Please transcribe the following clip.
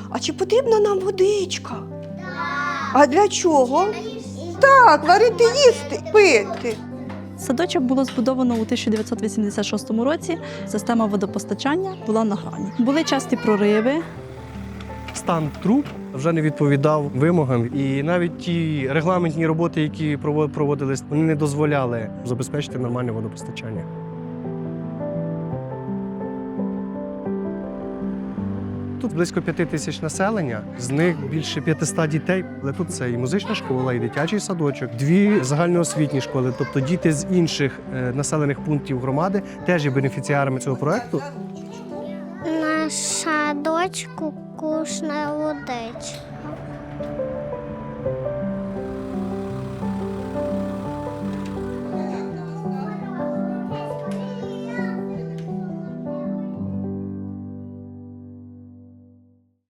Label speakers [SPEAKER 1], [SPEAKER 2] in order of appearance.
[SPEAKER 1] а чи потрібна нам водичка? А для чого? Так, варити, їсти, пити.
[SPEAKER 2] Садочок було збудовано у 1986 році. Система водопостачання була на грані. Були часті прориви.
[SPEAKER 3] Стан труб вже не відповідав вимогам, і навіть ті регламентні роботи, які проводились, вони не дозволяли забезпечити нормальне водопостачання. Тут близько 5 тисяч населення, з них більше 500 дітей. Але тут це і музична школа, і дитячий садочок, 2 загальноосвітні школи. Тобто діти з інших населених пунктів громади теж є бенефіціарами цього проєкту.
[SPEAKER 4] На садочку вкусна водичка.